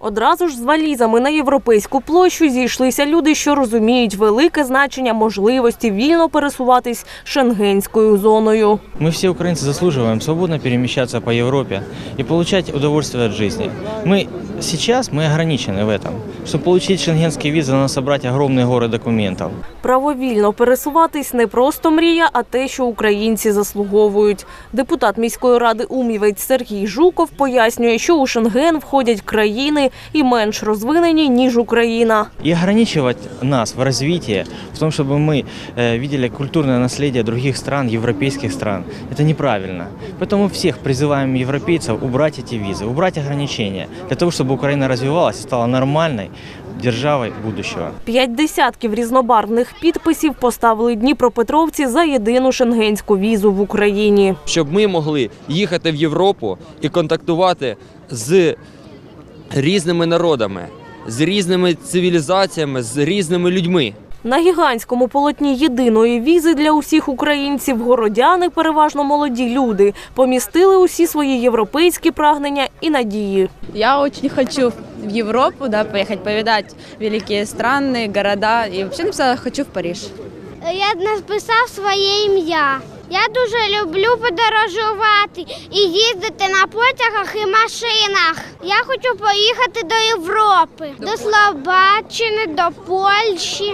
Одразу ж з валізами на Європейську площу зійшлися люди, що розуміють велике значення можливості вільно пересуватись шенгенською зоною. Мы все украинцы заслуживаем свободно перемещаться по Европе и получать удовольствие от жизни. Сейчас мы ограничены в этом. Чтобы получить шенгенские визы, надо собрать огромные горы документов. Правовільно пересуватись не просто мрія, а те, що українці заслуговують. Депутат міської ради Умівець Сергій Жуков пояснює, що у Шенген входять країни і менш розвинені, ніж Україна. И ограничивать нас в развитии, в том, чтобы мы видели культурное наследие других стран, европейских стран, это неправильно. Поэтому всех призываем европейцев убрать эти визы, убрать ограничения, для того, чтобы Украина развивалась и стала нормальной державой будущего. 50 різнобарвних підписів поставили дніпропетровці за єдину шенгенську візу в Україні. Щоб ми могли їхати в Європу і контактувати з різними народами, з різними цивілізаціями, з різними людьми. На гігантському полотні єдиної візи для усіх українців городяни, переважно молоді люди, помістили усі свої європейські прагнення і надії. Я очень хочу в Европу, поехать повидать великие страны, города. И вообще написала «хочу в Париж». Я написав своє ім'я. Я дуже люблю подорожувати і їздити на потягах і машинах. Я хочу поїхати до Європи, до Словаччини, до Польщі,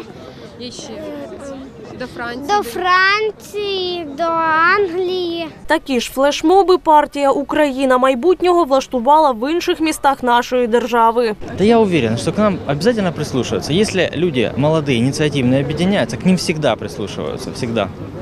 до Франції, до Англії. Такі ж флешмоби партія «Україна майбутнього» влаштувала в інших містах нашої держави. Да я уверен, что к нам обязательно прислушиваются. Если люди молодые, инициативные объединяются, к ним всегда прислушиваются, всегда.